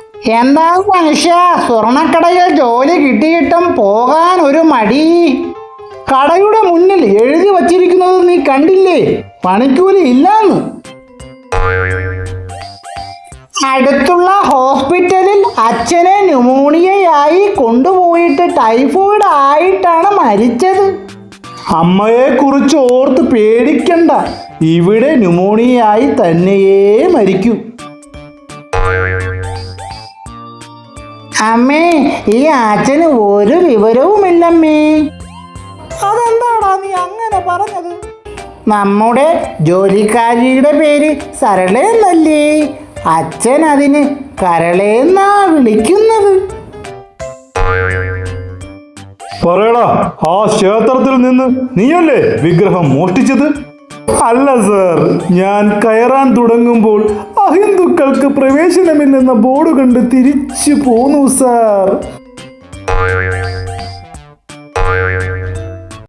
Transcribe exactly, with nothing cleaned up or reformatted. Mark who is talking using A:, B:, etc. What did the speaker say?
A: എന്താ മനുഷ്യ, സ്വർണക്കടയിൽ ജോലി കിട്ടിയിട്ടും പോകാൻ ഒരു മടി? കടയുടെ മുന്നിൽ എഴുതി വച്ചിരിക്കുന്നത് നീ കണ്ടില്ലേ? പണിക്കൂലി ഇല്ലാന്ന്. അടുത്തുള്ള ഹോസ്പിറ്റലിൽ അച്ഛനെ ന്യൂമോണിയയായി കൊണ്ടുപോയിട്ട് ടൈഫോയിഡ് ആയിട്ടാണ് മരിച്ചത്.
B: അമ്മയെ കുറിച്ച് ഓർത്ത് പേടിക്കണ്ട, ഇവിടെ ന്യൂമോണിയയായി തന്നെയേ മരിക്കൂ.
A: അമ്മേ, ഈ അച്ഛന് ഒരു വിവരവുമില്ലമ്മേ.
B: അതെന്താടാ നീ അങ്ങനെ പറഞ്ഞത്?
A: നമ്മുടെ ജോലിക്കാരിയുടെ പേര് സരളയെന്നല്ലേ? അച്ഛൻ അതിന് കരളേന്നാ വിളിക്കുന്നത്.
B: പറയടാ, ആ ക്ഷേത്രത്തിൽ നിന്ന് നീയല്ലേ വിഗ്രഹം മോഷ്ടിച്ചത്? അല്ല സർ, ഞാൻ കയറാൻ തുടങ്ങുമ്പോൾ അഹിന്ദുക്കൾക്ക് പ്രവേശനമില്ലെന്ന ബോർഡ് കണ്ട് തിരിച്ചു പോന്നു സാർ.